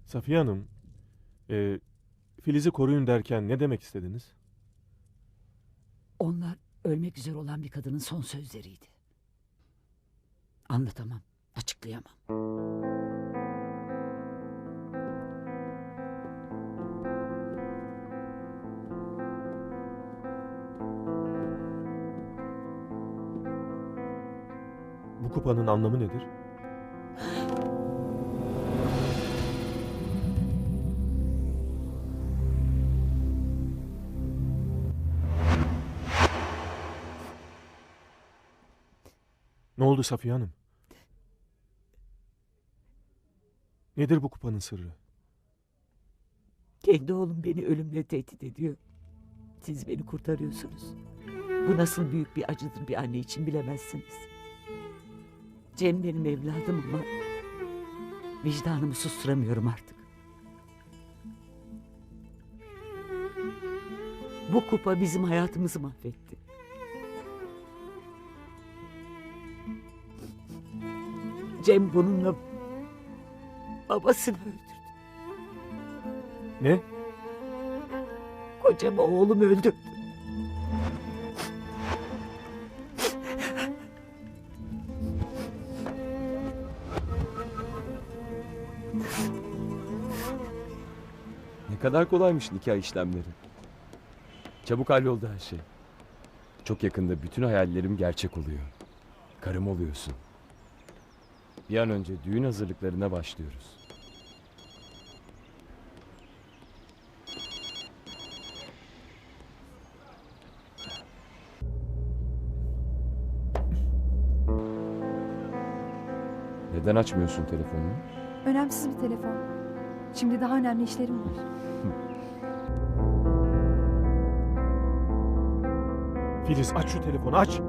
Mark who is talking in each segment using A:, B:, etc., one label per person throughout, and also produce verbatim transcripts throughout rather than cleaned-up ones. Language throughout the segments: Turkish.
A: Safiye Hanım, e, Filiz'i koruyun derken ne demek istediniz?
B: Onlar ölmek üzere olan bir kadının son sözleriydi. Anlatamam, açıklayamam.
A: Bu kupanın anlamı nedir? Ne oldu Safiye Hanım? Nedir bu kupanın sırrı?
B: Kendi oğlum beni ölümle tehdit ediyor. Siz beni kurtarıyorsunuz. Bu nasıl büyük bir acıdır bir anne için bilemezsiniz. Cem benim evladım ama vicdanımı susturamıyorum artık. Bu kupa bizim hayatımızı mahvetti. Cem bununla babasını öldürdü.
A: Ne?
B: Kocamı oğlum öldürdü.
C: Ne kadar kolaymış nikah işlemleri. Çabuk halloldu her şey. Çok yakında bütün hayallerim gerçek oluyor. Karım oluyorsun. Bir an önce düğün hazırlıklarına başlıyoruz. Neden açmıyorsun telefonunu?
D: Önemsiz bir telefon. Şimdi daha önemli işlerim var.
A: Filiz aç şu telefonu aç.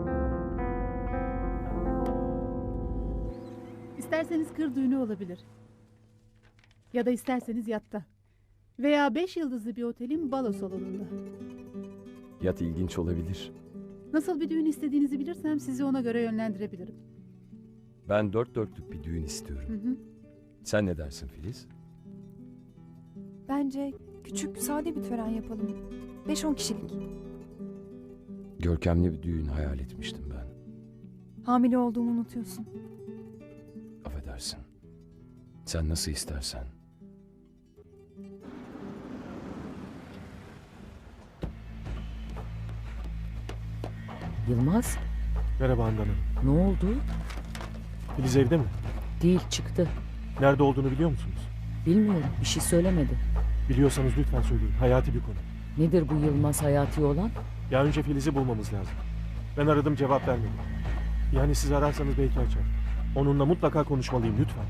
E: İsterseniz kır düğünü olabilir. Ya da isterseniz yatta. Veya beş yıldızlı bir otelin balo salonunda.
C: Yat ilginç olabilir.
E: Nasıl bir düğün istediğinizi bilirsem sizi ona göre yönlendirebilirim.
C: Ben dört dörtlük bir düğün istiyorum.
E: Hı hı.
C: Sen ne dersin Filiz?
D: Bence küçük, sade bir tören yapalım. Beş on kişilik.
C: Görkemli bir düğün hayal etmiştim ben.
D: Hamile olduğumu unutuyorsun.
C: Affedersin. Sen nasıl istersen.
B: Yılmaz,
A: Merhaba Handan Hanım.
B: ne oldu?
A: Filiz evde mi?
B: Değil, çıktı.
A: Nerede olduğunu biliyor musunuz?
B: Bilmiyorum, bir şey söylemedi.
A: Biliyorsanız lütfen söyleyin. Hayati bir konu.
B: Nedir bu Yılmaz hayati olan?
A: Ya önce Filiz'i bulmamız lazım. Ben aradım cevap vermedi. Yani siz ararsanız belki açar. Onunla mutlaka konuşmalıyım lütfen.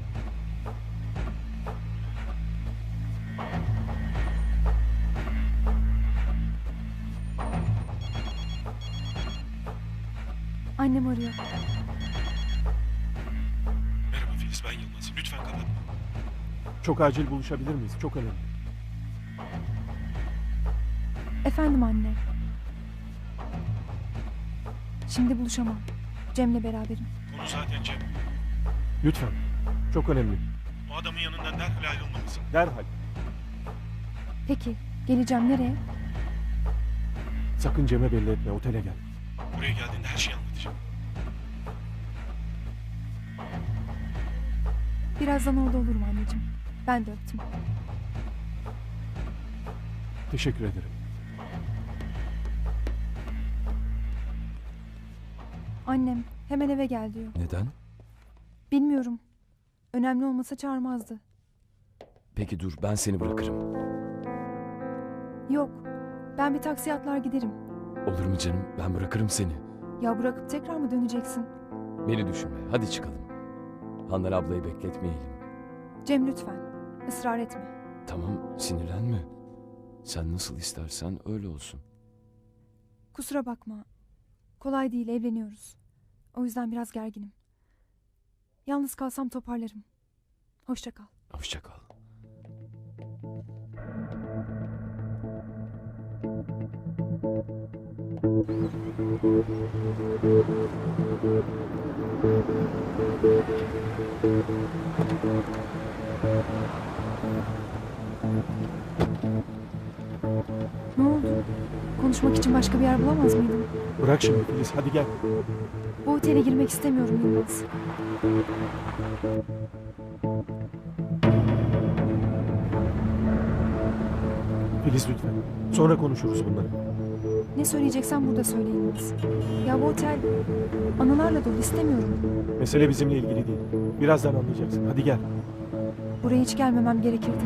D: Annem arıyor.
A: Merhaba Filiz, ben Yılmaz. Lütfen kapatma. Çok acil buluşabilir miyiz? Çok önemli.
D: Efendim anne. Şimdi buluşamam. Cem'le beraberim.
A: Konu zaten Cem. Lütfen. Çok önemli. O adamın yanından derhal ayrılmalısın. Derhal.
D: Peki, geleceğim nereye?
A: Sakın Cem'e belli etme. Otele gel. Buraya geldiğinde her şeyi anlatacağım.
D: Birazdan orada olurum anneciğim. Ben de öptüm.
A: Teşekkür ederim.
D: Annem hemen eve gel diyor.
C: Neden?
D: Bilmiyorum. Önemli olmasa çağırmazdı.
C: Peki dur, ben seni bırakırım.
D: Yok. Ben bir taksi atlar giderim.
C: Olur mu canım? Ben bırakırım seni.
D: Ya bırakıp tekrar mı döneceksin?
C: Beni düşünme. Hadi çıkalım. Handan ablayı bekletmeyelim.
D: Cem lütfen. Israr etme.
C: Tamam, sinirlenme. Sen nasıl istersen öyle olsun.
D: Kusura bakma. Kolay değil, evleniyoruz. O yüzden biraz gerginim. Yalnız kalsam toparlarım. Hoşça kal.
C: Hoşça kal.
D: Ne oldu? Konuşmak için başka bir yer bulamaz mıydım?
A: Bırak şimdi Filiz, hadi gel.
D: Bu otele girmek istemiyorum Yılmaz.
A: Filiz lütfen. Sonra konuşuruz bunları.
D: Ne söyleyeceksen burada söyle Yılmaz. Ya bu otel anılarla dolu, istemiyorum.
A: Mesele bizimle ilgili değil. Birazdan anlayacaksın. Hadi gel.
D: Buraya hiç gelmemem gerekirdi.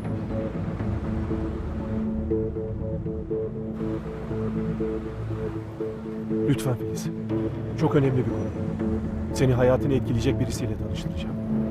A: Lütfen Filiz. Çok önemli bir konu. Seni hayatını etkileyecek birisiyle tanıştıracağım.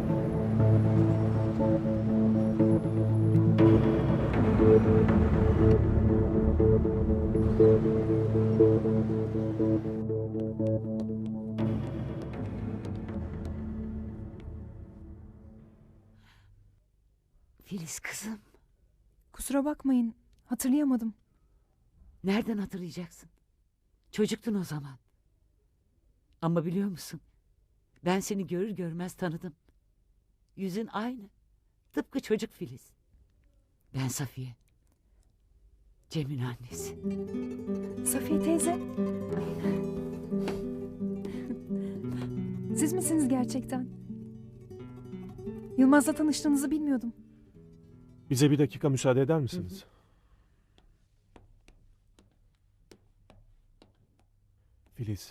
B: Filiz kızım,
D: Kusura bakmayın. Hatırlayamadım.
B: nereden hatırlayacaksın? Çocuktun o zaman. Ama biliyor musun? Ben seni görür görmez tanıdım. Yüzün aynı. Tıpkı çocuk Filiz. Ben Safiye. Cem'in annesi.
D: Safiye teyze. Siz misiniz gerçekten? Yılmaz'la tanıştığınızı bilmiyordum.
A: Bize bir dakika müsaade eder misiniz? Filiz.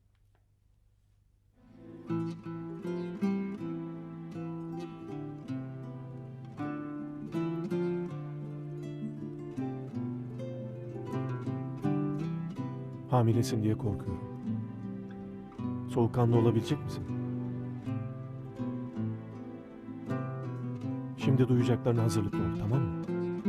A: Hamilesin diye korkuyorum. Soğukkanlı olabilecek misin? Şimdi duyacaklarına hazırlıklı ol, tamam mı?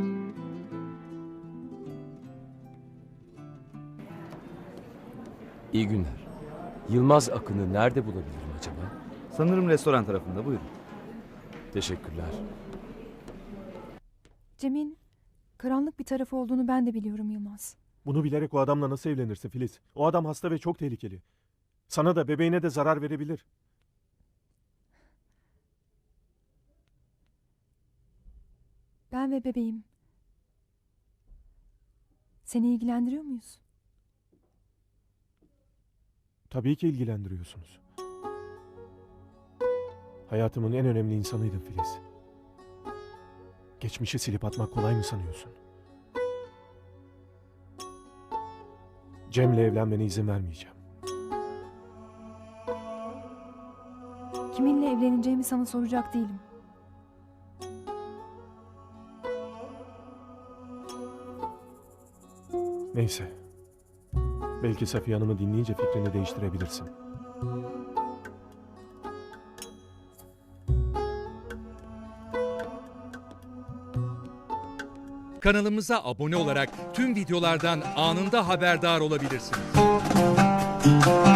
C: İyi günler. Yılmaz Akın'ı nerede bulabilirim acaba?
F: Sanırım restoran tarafında, buyurun.
C: Teşekkürler.
D: Cem'in karanlık bir tarafı olduğunu ben de biliyorum Yılmaz.
A: Bunu bilerek o adamla nasıl evlenirsin Filiz? O adam hasta ve çok tehlikeli. Sana da bebeğine de zarar verebilir.
D: Ben ve bebeğim. Seni ilgilendiriyor muyuz?
A: Tabii ki ilgilendiriyorsunuz. Hayatımın en önemli insanıydın Filiz. Geçmişi silip atmak kolay mı sanıyorsun? Cem'le evlenmene izin vermeyeceğim.
D: Kiminle evleneceğimi sana soracak değilim.
A: Neyse. Belki Safiye Hanım'ı dinleyince fikrini değiştirebilirsin.
G: Kanalımıza abone olarak tüm videolardan anında haberdar olabilirsiniz.